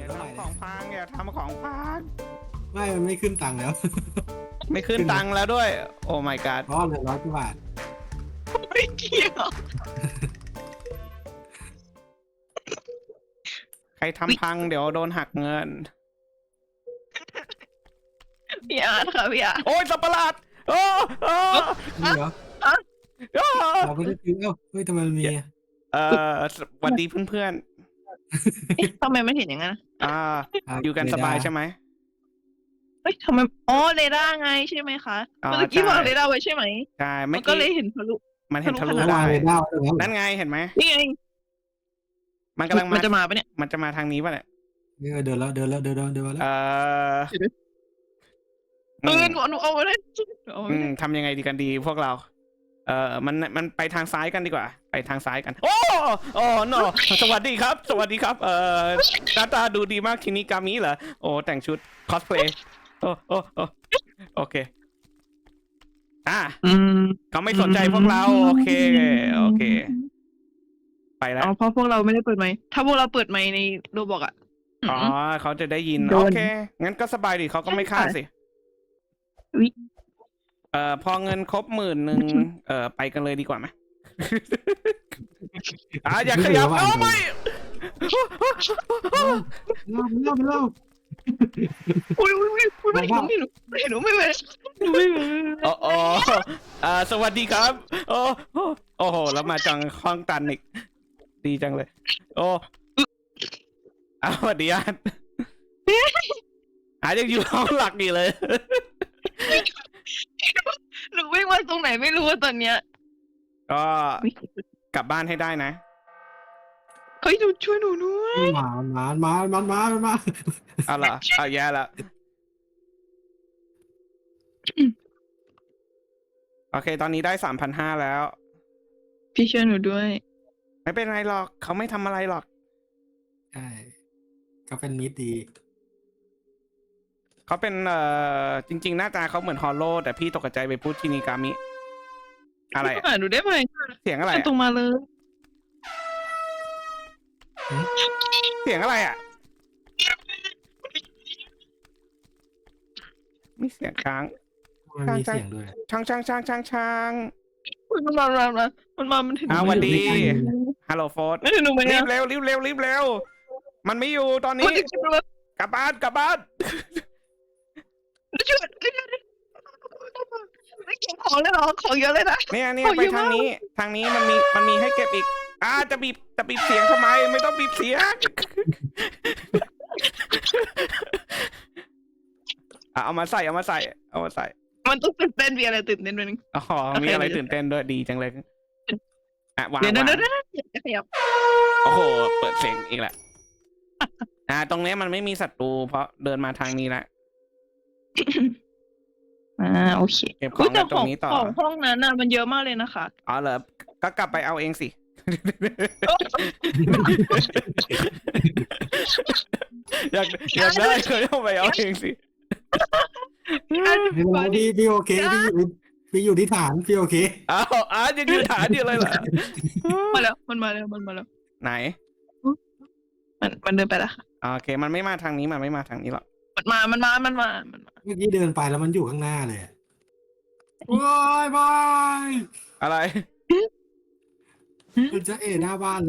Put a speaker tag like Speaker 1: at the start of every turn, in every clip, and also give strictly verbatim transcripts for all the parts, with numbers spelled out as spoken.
Speaker 1: อย่า
Speaker 2: เท่าไหร่
Speaker 1: ทำของพังอย่าทำของพัง
Speaker 2: ไม่มันไม่ขึ้นตังค์แล้ว
Speaker 1: ไม่ขึ้นตังค์แล้วด้วย โอ้ my god
Speaker 2: อ๋อเหลือร้อยกว่าบาท
Speaker 3: ไม่เกี่ยว
Speaker 1: ใครทำพังเดี๋ยวโดนหักเงิน
Speaker 3: พี่อาร์ตค่ะพี่อาร์ต
Speaker 1: โอ้ยสับประหลาดโอ้โอ้
Speaker 2: นี่เหรอ
Speaker 1: โอ้
Speaker 2: เราไม่ได้ซื้อเอ้าเฮ้ยทำไมมันมีอะ
Speaker 1: เอ่อสวัสดีเพื่อน
Speaker 3: เอ๊ะทำไมมันเห็นอย่างนั้นอะ
Speaker 1: ๆอ่าอยู่กันสบายใช่ไหม
Speaker 3: เฮ้ยทำไมอ๋อเรดาร์ไงใช่ไหมคะ
Speaker 1: อ๋อ
Speaker 3: เมื่อกี้
Speaker 1: ใช่
Speaker 3: วางเรดาร์ไว้ใช่ไหม
Speaker 1: ใช่
Speaker 3: มั
Speaker 1: ไม่
Speaker 3: นก็
Speaker 1: กี้
Speaker 3: เลยเห็นทะลุ
Speaker 1: มันเห็นทะลุ
Speaker 3: ทะลุ
Speaker 1: ได้
Speaker 2: วางเลยได้ตรงนั้น
Speaker 1: นั่นไงเห็นไหม
Speaker 3: นี่ไง
Speaker 1: มันกำลัง
Speaker 3: มั
Speaker 1: มาน
Speaker 3: จะมาปะเนี่ย
Speaker 1: มันจะมาทางนี้ป่ะเนี่ย
Speaker 2: นี่เดินแล้วเดินแล้วเดินแล้วเดินมาแล้ว
Speaker 1: เอ่อ
Speaker 3: เออหนูหนูเอาไว้เลยหนูเอาไว้
Speaker 1: อื
Speaker 3: เล
Speaker 1: ม
Speaker 3: ย
Speaker 1: ทำยังไงดีกันดีพวกเรา เอ่อมันมันไปทางซ้ายกันดีกว่า ไปทางซ้ายกัน โอ้โอ้โนสวัสดีครับ สวัสดีครับ เอ่อหน้าตาดูดีมากทีนี้กามิเหรอโอ้แต่งชุดคอสเพลย์โอ้โอ้โอ้โอเคอ่ะ
Speaker 3: อืม
Speaker 1: เขาไม่สนใจพวกเราโอเคโอเค ไปแล้ว
Speaker 3: อ๋อเพราะพวกเราไม่ได้เปิดไมค์ถ้าพวกเราเปิดไมค์ในโรบอกอะ
Speaker 1: อ๋อเขาจะได้ยิน
Speaker 3: โดน
Speaker 1: โอเค งั้นก็สบายดีเขาก็ไม่ฆ่าสิ
Speaker 3: วิ
Speaker 1: เอ่อพอเงินครบหมื่นหนึ่งเอ่อไปกันเลยดีกว่าไหม อ่าอย่าขยับเอาไม่
Speaker 2: เล่าเล่าเล่า
Speaker 3: อุ้ยอุ้ยอุ้ยอุ้ยไม่หนูไม่หนูไม่หนูไม่ไม่หนูไม่ไม่
Speaker 1: โอ้โอ้อ่าสวัสดีครับ โอ้โอ้โอ้โหแล้วมาจังห้องตันอีกดีจังเลย โอ้อ้าวสวัสดีอาร์ตอาร์ตยังอยู่ห้องหลักอยู่เลย
Speaker 3: หนูวิ่งมาตรงไหนไม่รู้ว่าตอนเนี้ย
Speaker 1: ก็กลับบ้านให้ได้นะ
Speaker 3: เฮ้ยหนูช่วยหนูด้วย
Speaker 2: หมาหมาหมาหมาหมาหมา
Speaker 1: เอาล่ะเอาแย่ละโอเค ตอนนี้ได้สามพันห้าแล้ว
Speaker 3: พี่ช่วยหนูด้วย
Speaker 1: ไม่เป็นไรหรอก เขาไม่ทำอะไรหรอก
Speaker 2: ใช่เขาเป็นมิตรดี
Speaker 1: เขาเป็นเอ่อจริง ๆ หน้าตาเขาเหมือนฮอลโลแต่พี่ตกใจไปพูดชินิกามิ อะไรอะ
Speaker 3: หาหนูได้ไหม
Speaker 1: เสียงอะไรอะ
Speaker 3: ตรงมาเลย
Speaker 1: เสียงอะไรอ่ะ มีเสียงช้าง
Speaker 2: มันมีเสียงด้วย
Speaker 1: ช้างช้างช้างช้างช้าง
Speaker 3: มันมามันมามันมามันถึง
Speaker 1: อ่าวันดี
Speaker 2: ไม่อยู่ในใจ
Speaker 1: ฮัลโหลโฟร์
Speaker 3: ไม่ถึงหนูไหม
Speaker 1: รี
Speaker 3: เนี่ย
Speaker 1: บเร็วรีบเร็วรีบเร็ว มันไม่อยู่ตอน
Speaker 3: มั
Speaker 1: นี้
Speaker 3: นจะช่วย
Speaker 1: กลับบ้านกลับบ้าน
Speaker 3: ช่วยไม่เก็บของเลยเหรอของเยอะเลยนะ
Speaker 1: เนี่ยเนี่ย
Speaker 3: โอ้ย
Speaker 1: ไป
Speaker 3: เยอะ
Speaker 1: ทาง
Speaker 3: มาก
Speaker 1: นี้ ทางนี้มันมีมันมีให้เก็บอีก อ่าจะบีบจะบีบเสียงทำไม ไม่ต้องบีบเสียง อ่ะเอามาใส่เอามาใส่เอามาใส่
Speaker 3: มันต้องตื่นเต้นมีอะไรตื่นเต้นด้วยนึง
Speaker 1: อ๋อมีอะไรตื่นเต้นด้วยดีจังเลยอ่ะวาง
Speaker 3: เดี๋ยว
Speaker 1: วาง
Speaker 3: เดี๋ยวเดี๋ยวเดี๋ยวขยับ
Speaker 1: โอ้โหเปิดเสียงอีกแหละอ่าตรงนี้มันไม่มีศัตรูเพราะเดินมาทางนี้แหละ
Speaker 3: อ่าโอเค
Speaker 1: เก็บของกันตรงนี้ต่อ
Speaker 3: ของห้องนั้นน่ะมันเยอะมากเลยนะคะ
Speaker 1: อ๋อเหรอก็กลับไปเอาเองสิ อยากอยากได้ก็เอาไปเอาเองสิ
Speaker 2: ไม่เป็นไรพี่พี่โอเคพี่อยู่พี่อยู่ที่ฐานพี่โอเค
Speaker 1: อ้าวอ้าวยังยืนฐานอยู่เลยเหรอ
Speaker 3: มาแล้วมันมาแล้วมันมาแล้ว
Speaker 1: ไหน
Speaker 3: มันมันเดินไปแล้วค่ะ
Speaker 1: โอเค มันไม่มาทางนี้มันไม่มาทางนี้หรอก
Speaker 3: มันมามันมามันมามันมา
Speaker 2: เมื่อกี้เดินไปแล้วมันอยู่ข้างหน้าเลยอะโอ้ยบาย
Speaker 1: อะไร
Speaker 2: มันจะเอะหน้าบ้านเลย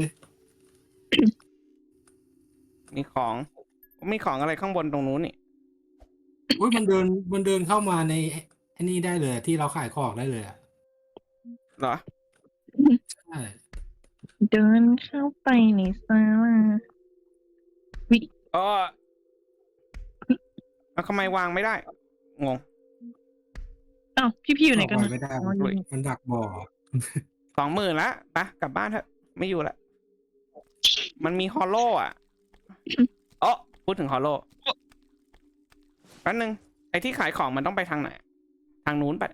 Speaker 1: มีของ มีของอะไรข้างบนตรงนู้นนี่
Speaker 2: โอ้ยมันเดินมันเดินเข้ามาในไอ้นี่ได้เลยที่เราขายของได้เลยอ่ะ
Speaker 1: เหรอ
Speaker 2: ใช่
Speaker 3: เดินเข้าไปในซาลา
Speaker 1: อ๋อแล้วทำไมวางไม่ได้ งง
Speaker 3: อ้าวพี่พี่อยู่ไหนกัน
Speaker 2: ออก
Speaker 3: นะ
Speaker 2: ไปไม่ได้
Speaker 3: อ๋ออยู่นี่
Speaker 2: มันดักบ่อ
Speaker 1: สองหมื่นละไปกลับบ้านเถอะไม่อยู่ละมันมีฮอลโลอ่ะอ๋อพูดถึงฮอลโลแป๊บนึงไอ้ที่ขายของมันต้องไปทางไหน ทางนู้นไป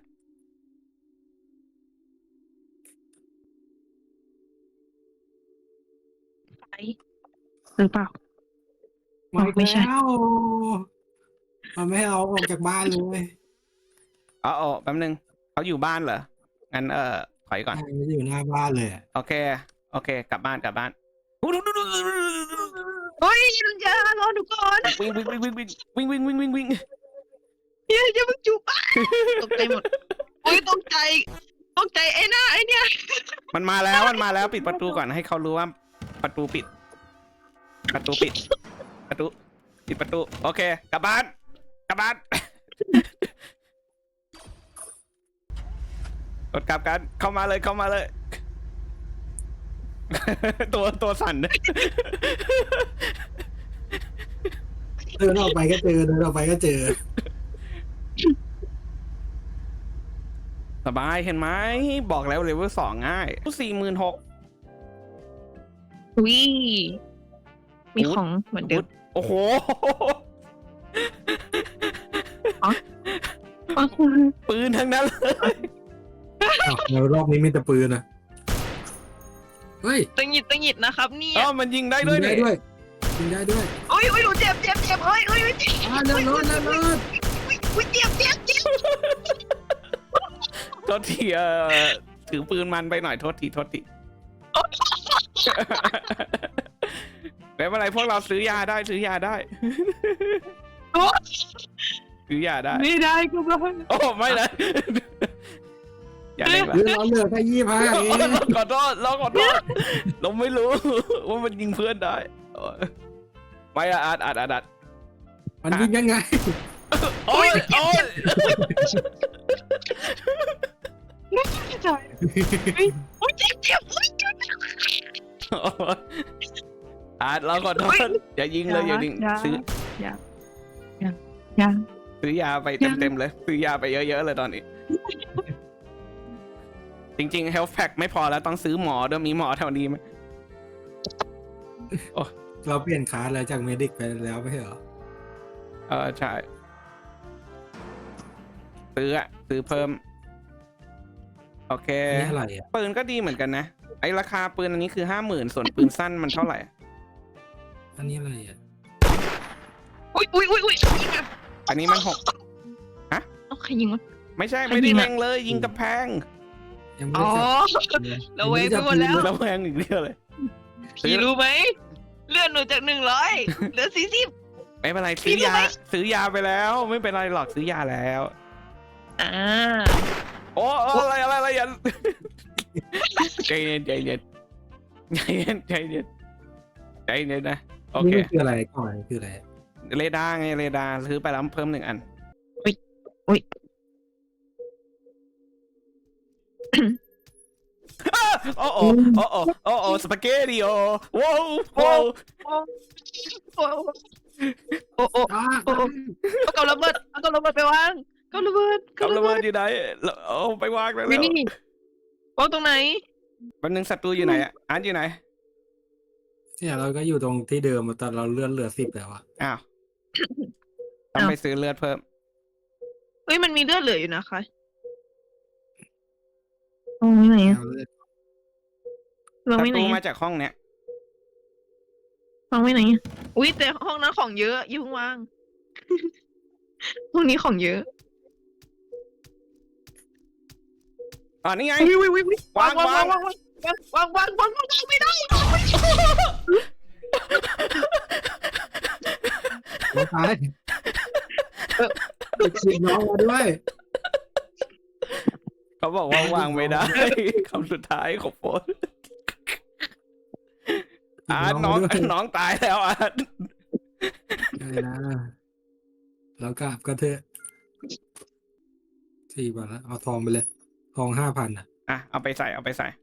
Speaker 3: ไปหรือเปล่า
Speaker 2: มาอีก
Speaker 3: ไม่ใช่
Speaker 2: แล้วมันไม่ให้เราออกจากบ้านเลย
Speaker 1: อ๋ออ๋อแป๊บนึงเขาอยู่บ้านเหรอ งั้นเออถอยก่อน
Speaker 2: มันอยู่หน้าบ้านเลยอะ
Speaker 1: โอเค โอเค กลับบ้านกลับบ้าน
Speaker 3: เฮ้ยลุงยารอหนูก่อน
Speaker 1: วิ่งวิ่งวิ่งวิ่งวิ่งวิ่งวิ่งวิ่งวิ่ง
Speaker 3: เฮียจะมึงจูบป้าตกใจหมดโอ้ยตกใจตกใจไอ้หน้าไอ้เนี่ย
Speaker 1: มันมาแล้วมันมาแล้วปิดประตูก่อนให้เขารู้ว่าประตูปิด ประตูปิด ประตูปิดประตูโอเคกลับบ้านกลับบ้านกดกลับกันเข้ามาเลยเข้ามาเลย ตัวตัวสั่น
Speaker 2: เดินออกไปก็เจอเดินออกไปก็เจอ
Speaker 1: สบายเห็นไหมบอกแล้วเลเวลสองง่ายสี่หมื่นหก
Speaker 3: วิมีของเหมือนเดิม
Speaker 1: โอ้โห
Speaker 3: อ๋อ
Speaker 1: ปืนทั้งนั้นเลย
Speaker 2: อ้าวแล้วรอบนี้มีแต่ปืนนะเฮ้ย
Speaker 3: ตังหยิดตังหยิดนะครับเนี่ย
Speaker 1: อ๋อมันยิงได้ด้วย
Speaker 2: ยิงได้
Speaker 1: นี่
Speaker 2: ด้วยยิงได้ด้วย
Speaker 3: โอ้ยโอ้ยหนูเจ็บเจ็บเจ็บเฮ้ยเฮ้ยเจ็บ
Speaker 2: อ่าเลื่อนรถเลื่อนรถ
Speaker 3: อุ้ยเจ็บเจ็บเจ็บ
Speaker 1: โทษทีเอ่อถือปืนมันไปหน่อยโทษทีโทษทีไม่เป็นไรพวกเราซื้อยาได้ซื้อยาได้ ซื้อยาได้
Speaker 3: ไม่ได้ก็ไม่
Speaker 1: โอ้ไม่นะอย่าเล่นละ
Speaker 2: เลื่อนรถเหลือแค่ยี่ห้าเอง
Speaker 1: ขอโทษเราขอโทษเราไม่รู้ ว่ามันยิงเพื่อนได้ไม่อะอัดอัดอัดอัด
Speaker 2: มันยิงยังไง
Speaker 1: โอ้ยโอ้ย
Speaker 3: ไม่ใจโอ้ยเจ็บเจ็บโอ้ยเจ็บ
Speaker 1: อัดเราขอโทษอย่ายิงเลยอย่ายิงซื้อ
Speaker 3: อย่าอย่าอย่า
Speaker 1: ซื้อยาไปเต็มๆเลยซื้อยาไปเยอะๆเลยตอนนี้ จริงๆ health pack ไม่พอแล้วต้องซื้อหมอด้วยมีหมอแถวนี้ไหม
Speaker 2: เราเปลี่ยนคลาสแล้วจากเมดิกไปแล้วไม่ใช่เหรอ
Speaker 1: เออใช่ซื้ออะซื้อเพิ่ม โอเค
Speaker 2: นี่อะไรอ่ะ
Speaker 1: ปืนก็ดีเหมือนกันนะ ไอราคาปืนอันนี้คือห้าหมื่นส่วนปืนสั้นมันเท่าไหร่
Speaker 2: อันนี้อะไรอ่ะ
Speaker 3: อุ้ยอุ้ยอุ้ยอุ้ยยิงอ่ะ
Speaker 1: อันนี้มันหก
Speaker 3: เอาใครยิงวะ
Speaker 1: ไม่ใช่
Speaker 3: ใคร
Speaker 1: ไม่ได้
Speaker 3: ยิงอะ
Speaker 1: เล็งเลยยิงกระแพง
Speaker 2: ยังไม่
Speaker 3: อ๋อ
Speaker 2: ได้จับเลย
Speaker 3: เราเวงไปหมดแล้ว
Speaker 1: แล้วแพงอีกเรื่องเลย
Speaker 3: พี่รู้ไหมเลื่อนหนูจากหนึ่งร้อยเหลือสี่สิบ
Speaker 1: ไม่เป็นไร
Speaker 3: พี่
Speaker 1: ซื้อยา
Speaker 3: รู้ไหม
Speaker 1: ซื้อยาไปแล้ว ไม่เป็นไรหรอกซื้อยาแล้ว
Speaker 3: อ่า
Speaker 1: โอ้โอ้อะไรอะไรอะไรอย่า ใจเย็นใจเย็นใจเย็นใจเย็นใจเย็นนะโอเค
Speaker 2: นี่มันคืออะไรก่อนคืออะไร
Speaker 1: เรดาร์ไงเรดาร์ซื้อไปแล้วเพิ่มหนึ่งอัน
Speaker 3: อุ้ย
Speaker 1: โอ้โอ้โอ้โอ้โอ้โอ้สปาเกตติโอว้าวว้าว
Speaker 3: โอ้โอ้โอ้โอ้
Speaker 2: อ้า
Speaker 3: โอ้เอากับระเบิดเอากับระเบิดไปวางกับระเบิด
Speaker 1: กับระเบิดอยู่ไหนเอาไปวางแล้ว
Speaker 3: วินี่วางตรงไหน
Speaker 1: วันหนึ่งศัตรูอยู่ไหนอ่ะอันอยู่ไหน
Speaker 2: เนี่ยเราก็อยู่ตรงที่เดิมแต่เราเลื่อนเหลือสิบแล้วอ่ะ
Speaker 1: อ้าวต้องไปซื้อเลือดเพิ่ม
Speaker 3: เฮ้ยมันมีเลือดเหลืออยู่นะคะวางไว้ไหนอะ
Speaker 2: เอาเลือด
Speaker 3: วาง
Speaker 1: ศั
Speaker 3: ไว้ไห
Speaker 1: ต
Speaker 3: น
Speaker 1: รู
Speaker 3: อะ
Speaker 1: มาจากห้องเนี้ยว
Speaker 3: างไว้ไหนอะอุ้ยแต่ห้องนั้นของเยอะอย่าเพิ่งวาง ห้องนี้ของเยอะ
Speaker 1: อ๋อนี่ไง
Speaker 3: วิววิววิว
Speaker 1: วางวาง
Speaker 3: วางวางวางวางวางวางวางไม่ได้
Speaker 2: น้องตายไปฉีดน้องมาด้วย
Speaker 1: เขาบอกว่าวางไม่ได้ คำสุดท้ายของโฟนอ่าน้อง
Speaker 2: ฉีด
Speaker 1: น้องตายแล้วอ่ะ
Speaker 2: มาด้วยได้นะแล้วกลับก็เถอะสี่บาทแล้วเอาทองไปเลย ทองห้าพันอ่ะ
Speaker 1: อ่ะเอาไปใส่เอาไปใส่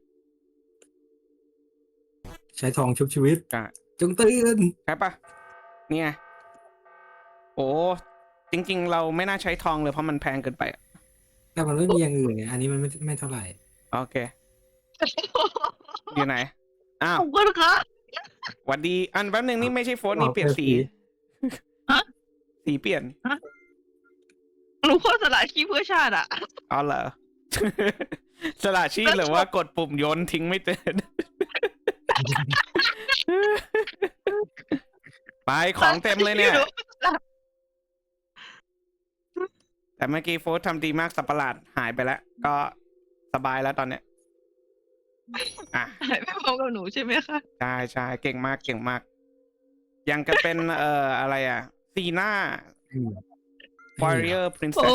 Speaker 2: ใช้ทองชุบชีวิต
Speaker 1: อ่ะ
Speaker 2: จงตื่น
Speaker 1: ใช่ปะเนี่ยโอ้จริง ๆ เราไม่น่าใช้ทองเลยเพราะมันแพงเกินไปอะ
Speaker 2: แต่มันไม่มีอย่างอื่นไงอันนี้มันไม่ไม่เท่าไหร่
Speaker 1: โอเค อยู่ไหน อ้าว
Speaker 3: ขอบคุณค่ะ
Speaker 1: หวัดดี อันแป๊บนึงนี่ไม่ใช่โฟนนี่เปลี่ยนสี
Speaker 3: ฮะ
Speaker 1: สีเปลี่ยน
Speaker 3: หนูโคตรสละชีพเพื่อชาติอ่ะ
Speaker 1: อ๋อเหรอ สละชีพหรือว่ากดปุ่มโยนทิ้งไม่เตือน ไปของเต็มเลยเนี่ย แต่เมื่อกี้โฟร์ทำดีมากสับประหลาดหายไปแล้ว ก็สบายแล้วตอนเนี้ย อ่ะ
Speaker 3: หายไปพร้อมกับหนูใช่ไหมคะ
Speaker 1: ใช่ใช่เก่งมากเก่งมากยังก็เป็นเอ่ออะไรอ่ะซีน่า
Speaker 2: อืม
Speaker 1: warrior
Speaker 3: โอ้
Speaker 1: princess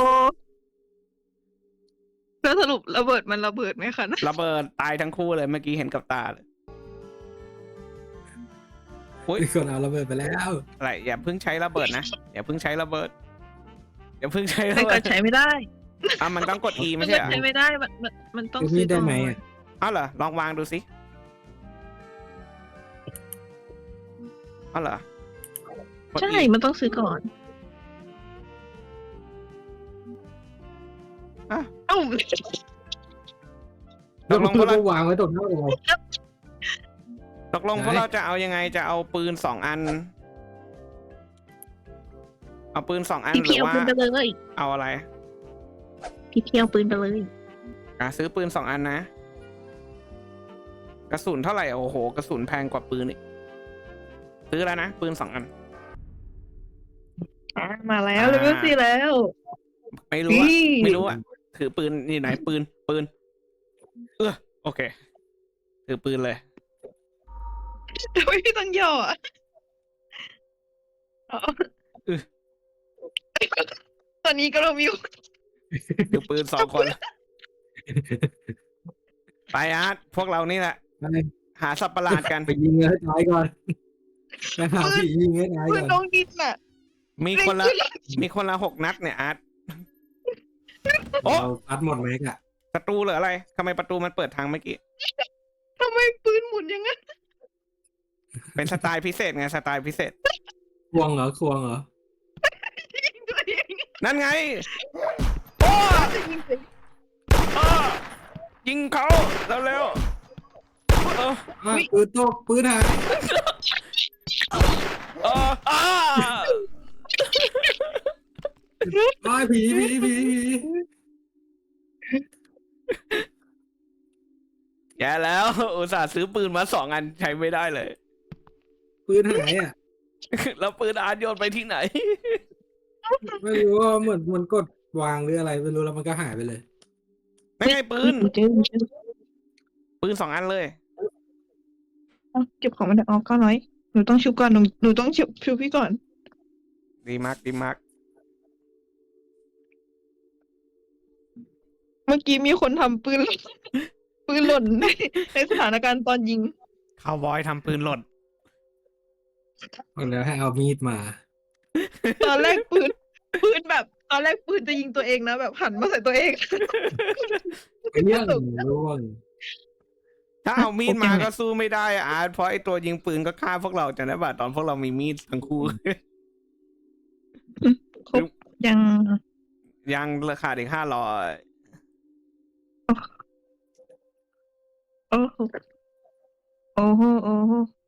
Speaker 3: แล้วสรุประเบิดมันระเบิดไหมคะนะ
Speaker 1: ระเบิดตายทั้งคู่เลยเมื่อกี้เห็นกับตาเลย อุ๊ย
Speaker 2: มีคนเอาระเบิดไปแล้ว
Speaker 1: อะไรอย่าเพิ่งใช้ระเบิดนะอย่าเพิ่งใช้ระเบิดอย่าเพิ่งใช้ระ
Speaker 3: มัน
Speaker 1: เบิ
Speaker 3: ก็
Speaker 1: ด
Speaker 3: ใช้ไม่ได้
Speaker 1: อ่ะมันต้องกด E
Speaker 3: มั
Speaker 1: ไม่
Speaker 3: น
Speaker 1: ใช่
Speaker 3: ก็
Speaker 1: เหรอ
Speaker 3: ใช้ไม่ได้มันมันมันต้อง
Speaker 2: คือ
Speaker 3: ซื้
Speaker 2: มี
Speaker 3: อ
Speaker 2: ดได้
Speaker 3: ก่อ
Speaker 2: ไหม
Speaker 3: น
Speaker 2: อะ
Speaker 1: เอาเหรอลองวางดูสิเอาเหรอกด
Speaker 3: ใช่
Speaker 1: E
Speaker 3: มันต้องซื้อก่อน
Speaker 1: อ่ะ
Speaker 3: เอ้า
Speaker 1: ตกลงพวกเรา
Speaker 2: วางไว้ตรงหน้าเรา
Speaker 1: ตกลงพวกเราจะเอายังไงจะเอาปืนสองอัน เอาปืนสองอัน
Speaker 3: พี่
Speaker 1: หรื
Speaker 3: พี่
Speaker 1: อ
Speaker 3: เอา
Speaker 1: ว่า
Speaker 3: ปืนไปเลย
Speaker 1: เอาอะไร
Speaker 3: พี่พี่เอาปืนไปเลย
Speaker 1: อ่ะซื้อปืนสองอันนะ กระสุนเท่าไหร่โอ้โหกระสุนแพงกว่าปืนอีกซื้อแล้วนะปืนสองอัน
Speaker 3: อ่ะมาแล้ว
Speaker 1: อ่า
Speaker 3: เลเวลสี่แล้ว
Speaker 1: ไม่รู้อะ
Speaker 3: นี่
Speaker 1: ไม่รู้อะถือปืนนี่ไหนปืนปืน เออโอเค ถือปืนเลย
Speaker 3: ทำไมพี่ต้องย่ออ่ะอ๋อ
Speaker 1: เออ
Speaker 3: ตอนนี้ก็เรามี
Speaker 1: ถือปืนสองคน ไปอาร์ตพวกเรานี่แหละ
Speaker 2: ไป
Speaker 1: หาสัตว์ประหลาดกัน
Speaker 2: ไปยิงให้ตายก่อนไปหาผียิงให้ตาย
Speaker 3: ปื
Speaker 2: ก่
Speaker 3: น
Speaker 2: อน
Speaker 3: น้องดินน่ะ
Speaker 1: มีคนละมีคนละหกนัดเนี่ยอาร์ตโอ้
Speaker 2: เราอัดหมดแม็กอะ
Speaker 1: ศัตรูหรืออะไรทำไมประตูมันเปิดทางเมื่อกี้
Speaker 3: ทำไมปืนหมุนอย่างนั้น
Speaker 1: เป็นสไตล์พิเศษไงสไตล์พิเศษ
Speaker 2: ควงเหรอควงเหรอ
Speaker 3: ยิงตัวเอง
Speaker 1: นั่นไงโอ้
Speaker 3: จะยิงตัวเอง
Speaker 1: อ้อยิงเขาเร็วๆเออ
Speaker 2: อ่ะปืนตกปืนหาย
Speaker 1: เอออ้า
Speaker 2: อ้ายผีผีผีผี
Speaker 1: แย่แล้ว อุตส่าห์ซื้อปืนมาสองอันใช้ไม่ได้เลย
Speaker 2: ปืนหายอ่ะ
Speaker 1: แล้วปืนอาร์ตโยนไปที่ไหน
Speaker 2: ไม่รู้ว่าเหมือนมันกดวางหรืออะไรไม่รู้แล้วมันก็หายไปเลย
Speaker 1: ไม่ไงปืน
Speaker 3: เจอเจอ
Speaker 1: ปืนสองอันเลย
Speaker 3: เอาเก็บของมันออกก็น้อยหนูต้องชุบก่อนหนูหนูต้องชุบชุบพี่ก่อน
Speaker 1: ดีมากดีมาก
Speaker 3: เมื่อกี้มีคนทำปืน ปืนหล่นในในสถานการณ์ตอนยิง
Speaker 1: คาวบอยทำปืนหล่น
Speaker 2: บอกแล้วให้เอามีดมา
Speaker 3: ตอนแรกปืน ปืนแบบ ตอนแรกปืนจะยิงตัวเองนะแบบหันมาใส่ตัวเอง
Speaker 2: เรื่องร่วง
Speaker 1: ถ้าเอามีดมา
Speaker 3: โอเค
Speaker 1: ก็สู้ไม่ได้อะอาร์ตเพราะไอตัวยิงปืนก็ฆ่าพวกเราจำได้ป่ะตอนพวกเรามีมีดทั้งคู่
Speaker 3: ครบยัง
Speaker 1: ยังราคาอีกห้าร้อย
Speaker 3: โอ้โหโอ้โหโอ้โห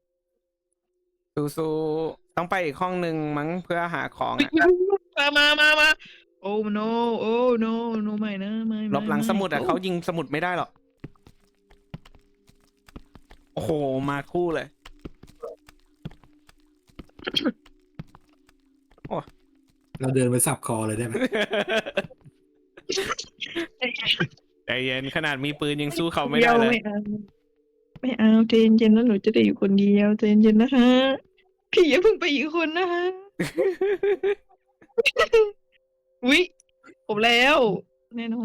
Speaker 1: สู้ๆต้องไปอีกห้องหนึ่งมั้งเพื่อหาของอะ
Speaker 3: มามามามาโอ้ no โอ้ no no ไม่นะไม่ไม่
Speaker 1: หลบหลังสมุดอะ
Speaker 3: ไ
Speaker 1: เขายิงสมุดไม่ได้หรอก โอ้โห มาคู่เลย
Speaker 2: เราเดินไปสับคอเลยได้ไหม
Speaker 1: ใจเย็นขนาดมีปืนยังสู้เขาไม่ได้เลย
Speaker 3: ไม่เอาไม่เอาใจเย็นๆแล้วหนูจะได้อยู่คนเดียวใจเย็นๆนะคะพี่อย่าเพิ่งไปอีกคนนะคะ วิผมแล้ว แน่นอน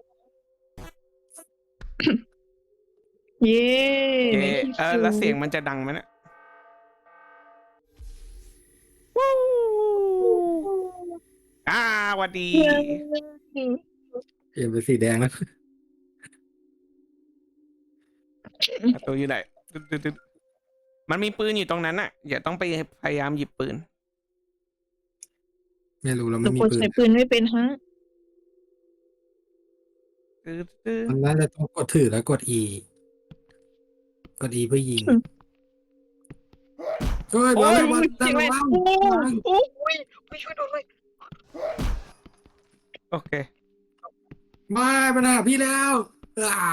Speaker 3: เย้
Speaker 1: เย้
Speaker 3: ในที่
Speaker 1: เออ
Speaker 3: สุด
Speaker 1: แล้วเสียงมันจะดังไหมเนี่ยวู้อ่าหวัดดี
Speaker 2: เปลี่ยนเป็นสีแดงแล้ว
Speaker 1: ประตูอยู่ไหนตึ๊ดตึ๊ดตึ๊ดมันมีปืนอยู่ตรงนั้นน่ะ อย่าต้องไปพยายามหยิบปืน
Speaker 2: ไม่รู้เรา
Speaker 3: หนู
Speaker 2: ไม่มี
Speaker 3: กด
Speaker 2: ปืน
Speaker 3: ใส่ปืนไม่เป็นฮะ
Speaker 1: ตึ๊ดตึ๊ด
Speaker 2: มันน่าจะต้องกดถือแล้วกด E กด E เพื่อยิงเฮ้ยมาแล้วมา
Speaker 3: จริงไหม
Speaker 2: แล้ว
Speaker 3: โอ้โอ้ยไปช่วยดูเลย
Speaker 1: โอเค
Speaker 2: มาปัญหาพี่แล้วอ่า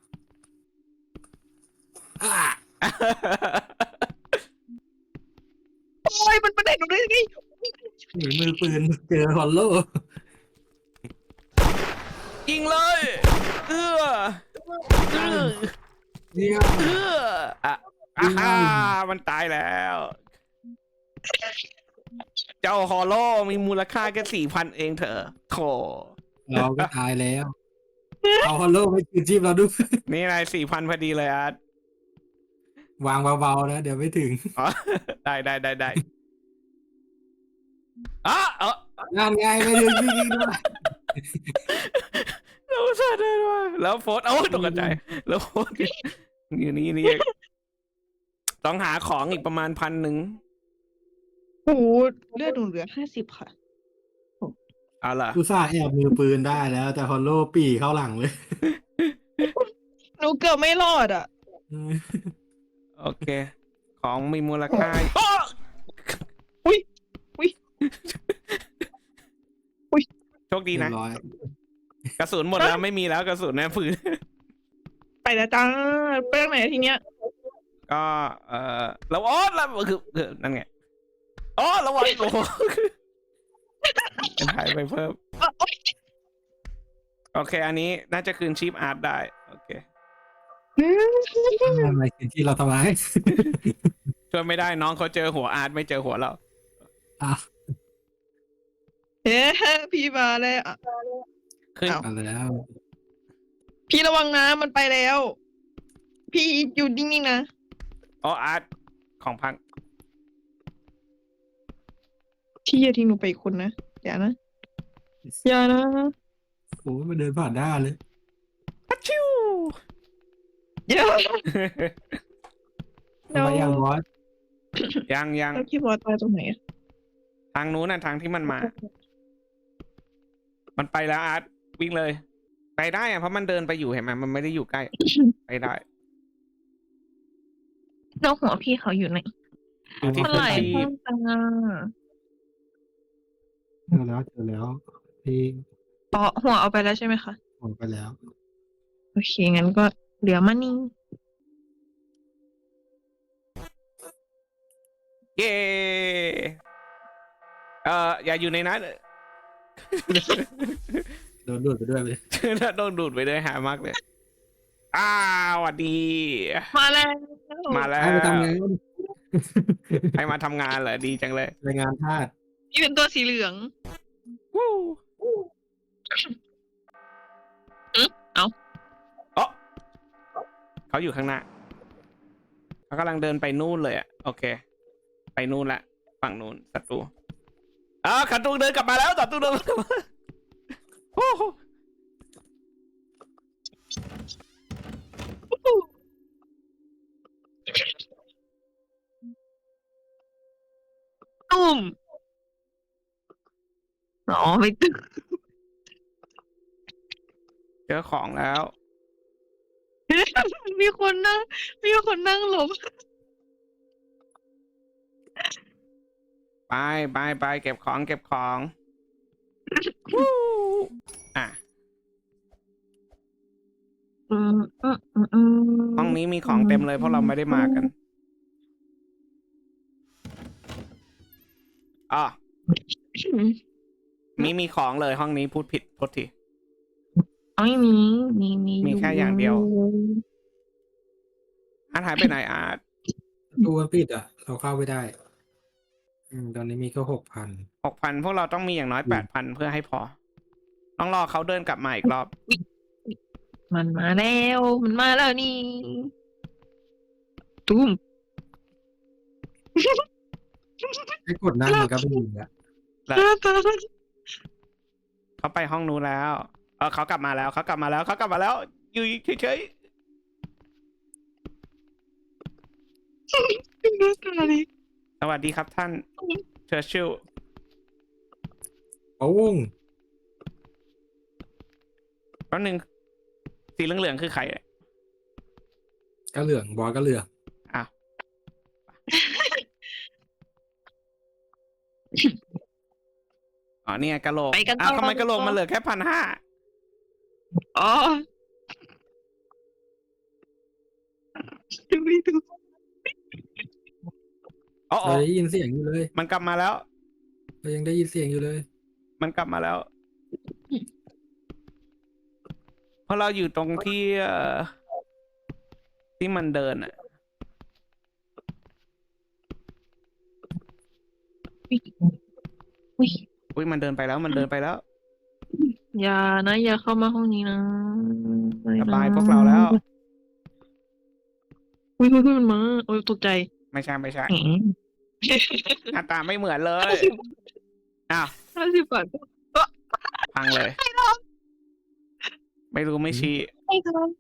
Speaker 2: อ่า
Speaker 3: โอ้ยมันประเด็นหนูได้ไง
Speaker 2: หนีมือปืนเจอฮอลโล
Speaker 1: ยิงเลย เอื้อเอื้อ
Speaker 2: เนี่ย
Speaker 1: เอื้ออ่ะอ่าฮ่ามันตายแล้วเจ้าฮอลโลมีมูลค่าแค่สี่พันเองเถอะโถ
Speaker 2: เราก็ตายแล้ว เอาฮัลโหลไปคืนชีพเราด้วย
Speaker 1: นี่อะไรสี่พันพอดีเลยอาร์ต
Speaker 2: วางเบาๆนะเดี๋ยวไม่ถึง
Speaker 1: อ๋อ ได้ได้ได้ได้อ๋อเออง
Speaker 2: านไงไม่ถึงจริงๆด้วย
Speaker 1: เราซะได้ด้วยแล้วโฟสโอ้ยตกใจแล้วโฟสอยู่นี่นี่เองต้องหาของอีกประมาณพันหนึ่ง
Speaker 3: โอ้โหเลือดหนูเหลือห้าสิบค่ะ
Speaker 1: เอาล่ะ
Speaker 2: กูซ่าห์แอบมือปืนได้แล้ว แต่ฮัลโหลปีเข้าหลังเลย
Speaker 3: หนูเกือบไม่รอดอ่ะ
Speaker 1: โอเค ของมีมูลค่าโอ้
Speaker 3: อุ้ยอุ้ย อุ้ย
Speaker 1: โชคดี
Speaker 2: เรีย
Speaker 1: นะ
Speaker 2: บร้อย
Speaker 1: กระสุนหมดแล้วไม่มีแล้วกระสุนนะปืน
Speaker 3: ไปแล้วจ้าไปทางไหนทีเนี้ย
Speaker 1: ก็เออแล้วอ๋อแล้วคือคือนั่นไงอ๋อระวังโอ้โหถ่ายไปเพิ่ม
Speaker 3: อ่ะโอ๊ย
Speaker 1: โอเค อันนี้น่าจะคืนชีพอาร์ตได้ โอเค
Speaker 3: อืม
Speaker 2: ทำไมคืนที่เราทำไม
Speaker 1: ช่วยไม่ได้น้องเขาเจอหัวอาร์ตไม่เจอหัวเรา
Speaker 2: อ่ะ
Speaker 3: เฮ้พี่มาแล้วอ่ะ
Speaker 1: ขึ้น
Speaker 3: อ้าว
Speaker 2: มาแล้ว
Speaker 3: พี่ระวังนะมันไปแล้ว พี่อยู่นิ่งๆนะ
Speaker 1: อ๋ออาร์ตของพัง
Speaker 3: พี่อย่าทิ้งหนูไปอีกคนนะอย่านะอย่านะ
Speaker 2: โอ้ยมาเดินผ่านหน้าเลย
Speaker 1: พัชชิว
Speaker 3: อย่า
Speaker 2: ทำไมยังบอส
Speaker 1: ยังยัง
Speaker 3: แล้วพี่บอสตายตรงไหนอะ
Speaker 1: ทางนู้นน่ะทางที่มันมา มันไปแล้วอาร์ตวิ่งเลย ไปได้อะเพราะมันเดินไปอยู่เห็นไหมมันไม่ได้อยู่ใกล้ ไปได้
Speaker 4: แล้วหัวพี่เขาอยู่ไหน
Speaker 1: อยู่ที่
Speaker 4: เท่า
Speaker 1: พื้
Speaker 4: ไห
Speaker 1: น
Speaker 4: ร่
Speaker 1: ที่
Speaker 4: เพิ่มจังอ่ะ
Speaker 2: เจอแล้วเจอแล้วพี่
Speaker 4: อ๋อหัวเอาไปแล้วใช่ไหมคะ
Speaker 2: ออกไปแล้ว
Speaker 4: โอเค งั้นก็เหลือมันนี่
Speaker 1: เย้เอ่ออย่าอยู่ในนั้น
Speaker 2: โดนดูดไปด้วยเลย
Speaker 1: ถ้าโดนดูดไปเลยหามากเลย อ้าวสวัสดี
Speaker 4: มาแล้ว
Speaker 1: มาแล้ว
Speaker 2: ให้ไปทำงาน
Speaker 1: ให้มาทำงานเหรอดีจังเลย
Speaker 2: รายงานธาตุ
Speaker 3: พี่เป็นตัวสีเหลือง
Speaker 1: วู้
Speaker 3: อืมเอา
Speaker 1: อ๋อเขาอยู่ข้างหน้าเขากำลังเดินไปนู่นเลยอ่ะโอเค ไปนู่นละฝั่งนู่นศัตรูอ้าวศัตรูเดินกลับมาแล้วศัตรูเดินกลับมาโอ้โห
Speaker 4: ตุ้มอ๋อไม่ตึก
Speaker 1: เจอของแล้ว
Speaker 3: มีคนนั่ง มีคนนั่งหลบ
Speaker 1: ไปไปไปเก็บของเก็บของวู้อ่ะ
Speaker 4: อืมอืมอืมอืม
Speaker 1: ห้องนี้มีของเต็มเลยเพราะเราไม่ได้มากันอ๋อมีมีของเลยห้องนี้พูดผิดโทษที
Speaker 4: เอาไม่มีมีมี
Speaker 1: มีแค่อย่างเดียว อาร์ตหายไปไหนอาร์ต
Speaker 2: ตัวปิดอ่ะ เราเข้าไม่ได้ อืมตอนนี้มีก็หกพัน
Speaker 1: หกพันพวกเราต้องมีอย่างน้อย
Speaker 2: อื
Speaker 1: แป
Speaker 2: ม
Speaker 1: ดพันเพื่อให้พอ ต้องรอเขาเดินกลับมาอีกรอบ
Speaker 4: มันมาแล้ว มันมาแล้วนี่ ตุ้ม
Speaker 2: ให้กดนั่งมันก็ไม่ยิงอ่ะ
Speaker 1: แล้วเขาไปห้องนู้นแล้ว เออเขากลับมาแล้วเขากลับมาแล้วเขากลับมาแล้ว อยู่เฉย ๆสวัสดีครับท่านเชอร์ชิล
Speaker 2: โอ้ง
Speaker 1: แป๊บนึงสีเหลืองๆคือใครเนี่ย
Speaker 2: ก็เหลืองบอสก็เหลือง
Speaker 1: อ้าวอ๋อเนี่ยกะโหลก
Speaker 4: ไปกันต่อ
Speaker 1: อ้าวทำไมกะโหลกมันเหลือแค่พันห้า
Speaker 3: อ๋อดูดิดู
Speaker 1: อ๋อ
Speaker 2: เราได้ยินเสียงอยู่เลย
Speaker 1: มันกลับมาแล้ว
Speaker 2: เรายังได้ยินเสียงอยู่เลย
Speaker 1: มันกลับมาแล้ว เพราะเราอยู่ตรงที่เอ่อที่มันเดินอ่ะ
Speaker 4: อุ้ย
Speaker 1: อุ้ยมันเดินไปแล้วมันเดินไปแล้ว
Speaker 4: อย่านะอย่าเข้ามาห้องนี้นะไม่
Speaker 1: ส
Speaker 4: นะ
Speaker 1: บายพวกเราแล้ว
Speaker 4: อุ้ยอุ้ยอุ้ยมันมาโอ้ยตกใจ
Speaker 1: ไม่ใช่ไม่ใช่
Speaker 4: แหม
Speaker 1: หน้าตาไม่เหมือนเลยอ้าว
Speaker 4: ห้าสิบบาท
Speaker 1: พังเลย ไม่รู้ไม่ชี้
Speaker 4: ไม่ครับ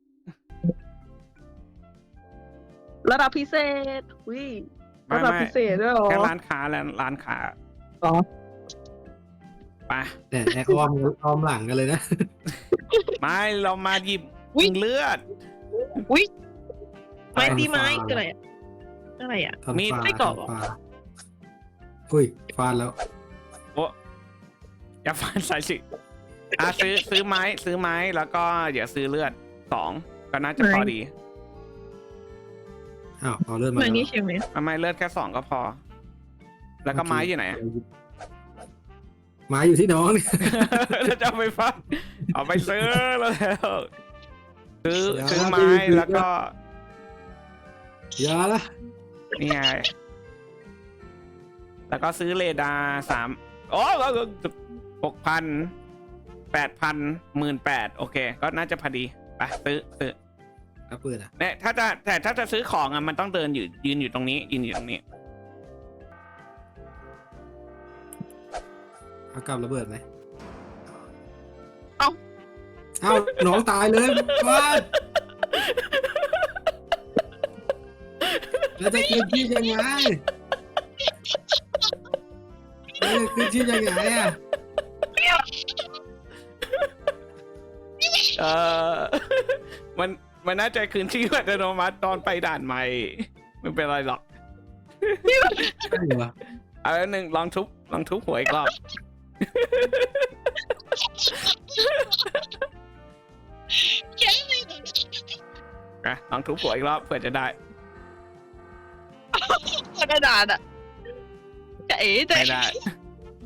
Speaker 4: ระดับพิเศษอุ้ย
Speaker 1: ไม่
Speaker 4: ระดับ
Speaker 1: ไม่
Speaker 4: พิเศษด้วยเหรอ
Speaker 1: แค่ร้านค้าแล้วร้านค้า
Speaker 4: อ๋อ
Speaker 1: ไป
Speaker 2: แต่ไอ้อ้อมอ้อมหลังกันเลยนะ
Speaker 1: ไม่เรามาหยิบเลือด
Speaker 4: อุ้ยไม้
Speaker 2: ไป
Speaker 4: ตีไม้
Speaker 2: ฟาร์ม
Speaker 4: คืออะไรอะอะไรอะ
Speaker 2: ทำ
Speaker 1: มีด
Speaker 2: ฟ้า
Speaker 4: ไม่กรอบเหรอ
Speaker 2: ทำฟ้าอุ้ยฟาดแล้ว
Speaker 1: โอ้อย่าฟันใส่สิอ่ะซื้อซื้อไม้ซื้อไม้แล้วก็เดี๋ยวซื้อเลือดสองก็น่าจะพอดี
Speaker 2: อ้าวเอาเลือดมา
Speaker 4: ไม้
Speaker 2: แล้ว
Speaker 4: นี่ใช่ไหม
Speaker 1: ทำไมเลือดแค่สองก็พอ แล้วก็ไม้อยู่ไหนอะ
Speaker 2: ไม้อยู่ที่น้องเนี่ย
Speaker 1: แล้วจะเอาไปฟันเอาไปซื้อแล้วซื้อ
Speaker 2: อย่า
Speaker 1: ซื้อไม้
Speaker 2: ไปซื้อ
Speaker 1: แล้วก็
Speaker 2: อย่าละ
Speaker 1: นี่ไงแล้วก็ซื้อเรดาร์สามโอ้หกพันแปดพันหมื่นแปดโอเค ก็น่าจะพอดีไปซื้อซื้อ
Speaker 2: เอาปืนอ่ะ
Speaker 1: เนี่ยถ้าจะแต่ถ้าจะซื้อของอ่ะมันต้องเดินอยู่ยืนอยู่ตรงนี้ยืนอยู่ตรงนี้
Speaker 2: เอากำระเบิดไหม
Speaker 4: เอ้า
Speaker 2: เอ้าน้องตายเลยฟาดแล้วจะคืนชีพยังไงแล้วจะคืนชีพยังไงอ่ะ
Speaker 1: เออ มันมันน่าจะคืนชีพอัตโนมัติตอนไปด่านใหม่ไม่เป็นไรหรอก
Speaker 2: ใช่เหรอ
Speaker 1: เอาแล้วหนึ่งลองทุบลองทุบหัวอีกรอบ อ่ะลองทุบหัวอีกรอบเผื่อจะได้
Speaker 4: กระดาษอะจะเอ๋จะ
Speaker 1: ไม่ได้ไป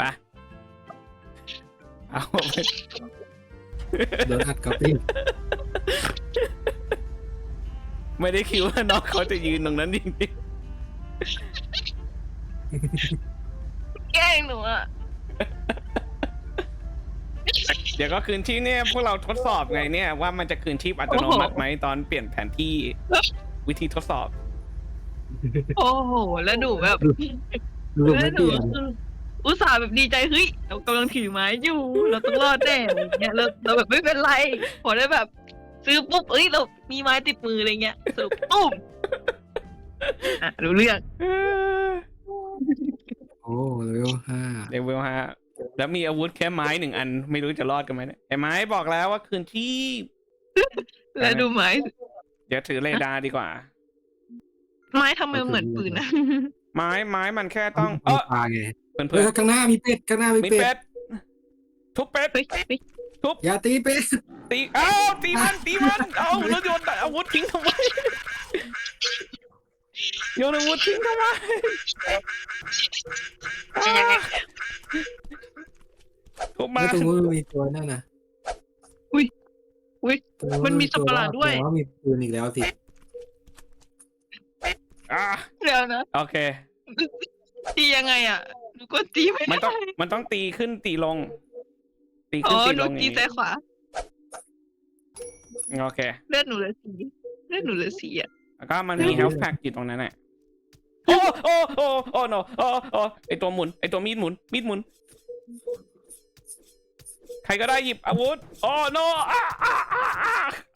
Speaker 1: เอาไป
Speaker 2: โดนอัดกับปิ้ง
Speaker 1: ไม่ได้คิดว่าน้องเขาจะยืนตรงนั้นจริง
Speaker 4: แกล้งหนูอะ
Speaker 1: ๆเดี๋ยวก็คืนที่เนี่ยพวกเราทดสอบไงเนี่ยว่ามันจะคืนชีพอัตโนมัติไหมตอนเปลี่ยนแผนที่วิธีทดสอบ
Speaker 4: โอ้โหแล้วหนูแบบ
Speaker 2: ดูไม่เปลี่ยน
Speaker 4: อุตส่าห์แบบดีใจเฮ้ยเรากำลังถือไม้อยู่เราต้องรอดแน่อะไรเงี้ยเราเราแบบไม่เป็นไรพอได้แบบ ซื้อปุ๊บเอ้ยเรามีไม้ติดมืออะไรเงี้ยสรุปตุ้มอ่ะรู้เรื่อง
Speaker 2: โอ้เลเวลห้า
Speaker 1: เลเวลห้าแล้วมีอาวุธแค่ไม้หนึ่งอันไม่รู้จะรอดกันไหมเนี่ยไอ้ไม้บอกแล้วว่าคืนที่
Speaker 4: แล้วดูไม้
Speaker 1: เดี๋ยวถือเรดาร์ดีกว่า
Speaker 4: ไม้ทำไมเหมือนปืนนะ
Speaker 1: ไม้ไม้มันแค่ต้องเอ
Speaker 2: เอา
Speaker 1: อ
Speaker 2: ปลาไง
Speaker 1: เพื่อน
Speaker 2: เฮ้
Speaker 1: เพื่
Speaker 2: ย
Speaker 1: อน
Speaker 2: ข้างหน้ามีเป็ดข้างหน้ามี
Speaker 1: มี
Speaker 2: เป็
Speaker 1: เป็
Speaker 2: ด
Speaker 1: ดทุบเป็ด
Speaker 4: เฮ้ยเฮ้ย
Speaker 2: อย่าตีเป็ด
Speaker 1: ตีเอ้าตีมันตีมันเอาแล้วโยนอาวุธทิ้งทำไมโยนอาวุธทิ้งทำไม
Speaker 4: จะยังไง
Speaker 1: ทุบมา
Speaker 2: แล้วตรงนู้นมีตัวนั่นนะ
Speaker 4: อุ้ยอุ้ย
Speaker 2: ตรง
Speaker 4: มันมีสัตว์ประหลาดด้วย
Speaker 2: แว่ามีปืนอีกแล้วสิ
Speaker 1: อ่ะ
Speaker 4: เดี๋ยวนะ
Speaker 1: โอเค
Speaker 4: ตียังไงอ่ะหนูก็ตีไม่
Speaker 1: มันต้อง
Speaker 4: ได้
Speaker 1: มันต้องตีขึ้นตีลง ตี
Speaker 4: อ๋
Speaker 1: ขึ้น
Speaker 4: อ
Speaker 1: ตี
Speaker 4: ห
Speaker 1: ล
Speaker 4: นู
Speaker 1: งอ
Speaker 4: ตี
Speaker 1: ย่าง
Speaker 4: ซ้า
Speaker 1: นี้
Speaker 4: ยขวา
Speaker 1: โอเค
Speaker 4: เลือดหนูเหลือสีเลือดหนูเหลือสีอ่ะ
Speaker 1: แล้วก็มันมี health pack อยู่ตรงนั้นแหละโอ้โอ้โอ้โอ้ no โอ้โอ้ไอตัวหมุนไอตัวมีดหมุนมีดหมุน ใครก็ได้หยิบอาวุธโอ้ no อ่าอ่าอ่าอ่า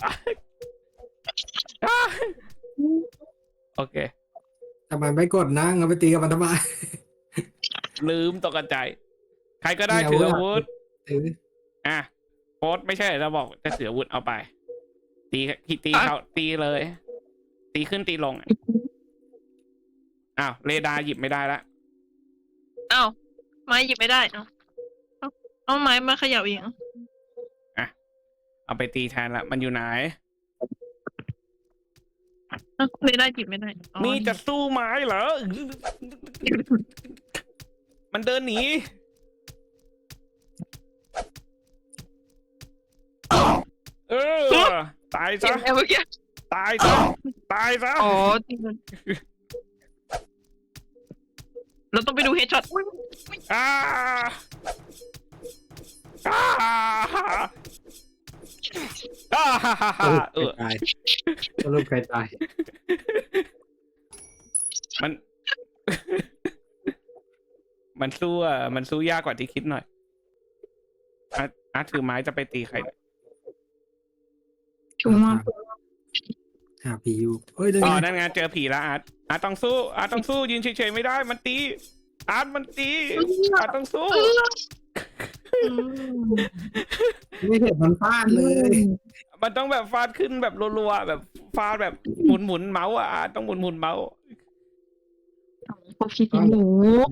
Speaker 1: อ่าโอเค
Speaker 2: ทำไมไม่กดนั่งเอาไปตีกับมันทำไม
Speaker 1: ลืมตกใจใครก็ได้ถืออาวุธ
Speaker 2: ถือ
Speaker 1: อ่ะโค้ดไม่ใช่เราบอกจะถืออาวุธเอาไป ตีตีเขาตีเลย ตีขึ้นตีลงอ้าวเรดาร์หยิบไม่ได้ละ
Speaker 4: อ้าวไม้หยิบไม่ได้เนาะเอาเอาไม้มาเขย่าเอง
Speaker 1: เอาไปตีแทนละมันอยู่ไหน
Speaker 4: เอาไม่ได้หยิบไม่ได้อ๋อ
Speaker 1: นี่จะสู้ไม้เหรอ มันเดินหนีเออตาย
Speaker 4: เจ็
Speaker 1: ซะ
Speaker 4: บแล้วเมื่อกี้
Speaker 1: ตายซะตายซะ
Speaker 4: อ๋อจริงมันเราต้องไปดูเฮดช็อต
Speaker 1: อ่าอ่าอ่าเออ
Speaker 2: ตายสรุปใครตาย
Speaker 1: มัน มันสู้อ่ะมันสู้ยากกว่าที่คิดหน่อยอาร์ตอาร์ตถือไม้จะไปตีใครเนี่ย
Speaker 4: ชัวร์มาก
Speaker 2: หาผีอยู่เฮ้ยเดี๋ยว
Speaker 1: อ๋อ
Speaker 2: นะ
Speaker 1: นั่นไงเจอผีแล้วอาร์ตอาร์ตต้องสู้อาร์ตต้องสู้ยืนเฉยๆไม่ได้มันตีอาร์ตมันตีอาร์ตต้องสู้
Speaker 2: ไม่เห็นมันพลาดเลย
Speaker 1: มันต้องแบบฟาดขึ้นแบบรัวๆแบบฟาดแบบหมุนหมุนๆเมาส์อ่ะอาร์ตต้องหมุนหมุนๆเมาส์
Speaker 4: พวกพี่ทิ้งหนู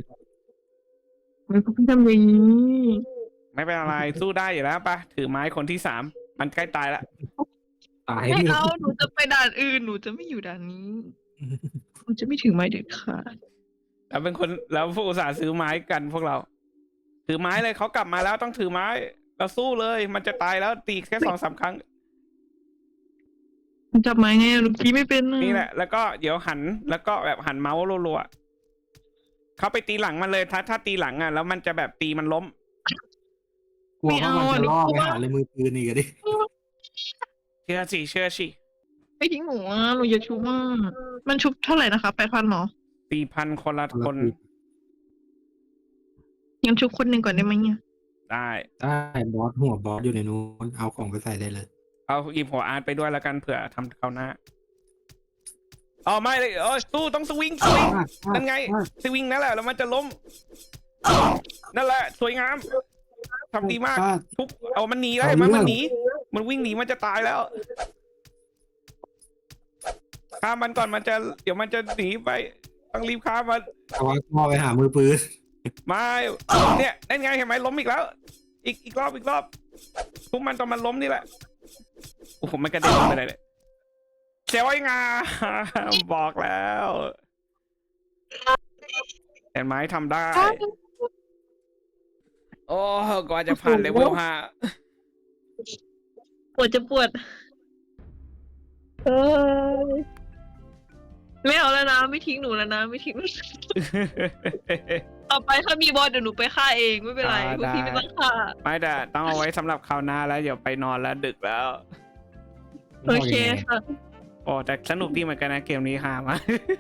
Speaker 4: ไม่พวกพี่ทำอย่างนี้
Speaker 1: ไม่เป็นอะไรสู้ได้อยู่แล้วปะถือไม้คนที่สามมันใกล้ตายแล้ว
Speaker 2: ตาย
Speaker 4: ไม่
Speaker 2: หมด
Speaker 4: เอาหนูจะไปด่านอื่นหนูจะไม่อยู่ด่านนี้หนูจะไม่ถึงไม้เด็ดขาด
Speaker 1: แล้วเป็นคนแล้วผู้อุตส่าห์ซื้อไม้กันพวกเรา ถือไม้เลยเขากลับมาแล้วต้องถือไม้เราสู้เลย มันจะตายแล้วตีแค่สองสามครั้ง
Speaker 4: จับไม้ไงหนูพี่ไม่เป็น
Speaker 1: นี่แหละ แล้วก็เดี๋ยวหันแล้วก็แบบหันเมาส์รัวๆเขาไปตีหลังมันเลยถ้าถ้าตีหลังอ่ะแล้วมันจะแบบตีมันล้ม
Speaker 2: กลัวว่ามันจะล่อไปหาเลยมือปืนอีกอะดิ
Speaker 1: เชื่อสิเชื่อสิ
Speaker 4: ไม่ทิ้งหนูอ่ะหนูอย่าชุบมากมันชุบเท่าไหร่นะคะแปดพันหรอ
Speaker 1: สี่พันคนละคน
Speaker 4: งั้นชุบคนหนึ่งก่อนได้ไหมเนี่ย
Speaker 1: ได้
Speaker 2: ได้บอสหัวบอสอยู่ในนู้นเอาของไปใส่ได้เลย
Speaker 1: เอาหยิบหัวอาร์ตไปด้วยแล้วกันเผื่อทำเขาวหน้าอ๋อไม่เลยเออสู้ต้องสวิงสวิง นั่นไง สวิงนั่นแหละแล้วมันจะล้ม นั่นแหละ สวยงามทำดีมาก
Speaker 2: ฟด
Speaker 1: ทุบเอามันหนีได้
Speaker 2: เอา
Speaker 1: ไหม
Speaker 2: เรื่อง
Speaker 1: มันหนีมันวิ่งหนีมันจะตายแล้วฆ่ามันก่อนมันจะเดี๋ยวมันจะหนีไปต้องรีบฆ่ามัน
Speaker 2: เอาว่าล่อไปหามือปืน
Speaker 1: ไม่เนี่ยนั่นไงเห็นไหมล้มอีกแล้ว อีกอีกรอบอีกรอบทุบมันตอนมันล้มนี่แหละโอ้โหมันกระเด็นลงไปเลยเสียวไอ้งาบอกแล้วเห็นไหมทำได้ โอ้กว่าจะผ่านเลเวลห้า
Speaker 4: ปวดจะปวดเออไม่เอาแล้วนะไม่ทิ้งหนูแล้วนะไม่ทิ้งหนูต่อไปถ้ามีบอสเดี๋ยวหนูไปฆ่าเองไม่เป็นไรพวกพี่ไม่ต้องฆ่า
Speaker 1: ไม่แต่ต้องเอาไว้สำหรับคราวหน้าแล้วเดี๋ยวไปนอนแล้วดึกแล้ว
Speaker 4: โอเคค่ะ
Speaker 1: โอ้แต่สนุกดีเหมือนกันนะเกมนี้ฮามาก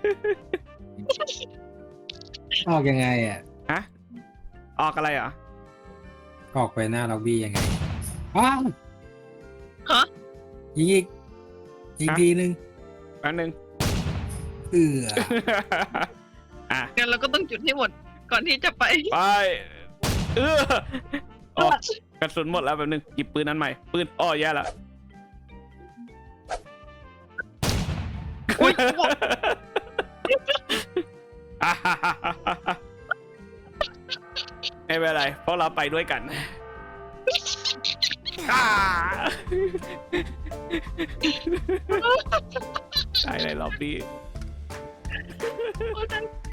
Speaker 2: ออกยังไงอ่ะ
Speaker 1: ฮะออกอะไรเหรอ
Speaker 2: ออกไปหน้าล็อบบี้ยังไงอ้าว
Speaker 4: ฮะ
Speaker 2: ยิงอีกยิง
Speaker 1: ฮะ
Speaker 2: ทีนึง
Speaker 1: แป๊บนึง
Speaker 2: เอือ
Speaker 1: อ่ะ
Speaker 4: งั้นเราก็ต้องจุดให้หมดก่อนที่จะไป
Speaker 1: ไปเออโอ้กระสุนหมดแล้วแป๊บนึงหยิบปืนนั้นใหม่ปืนอ้อแย่ละ
Speaker 4: อุ๊ย
Speaker 1: ไม่เป็นไรเพราะเราไปด้วยกันอ่าได้ในรอบนี้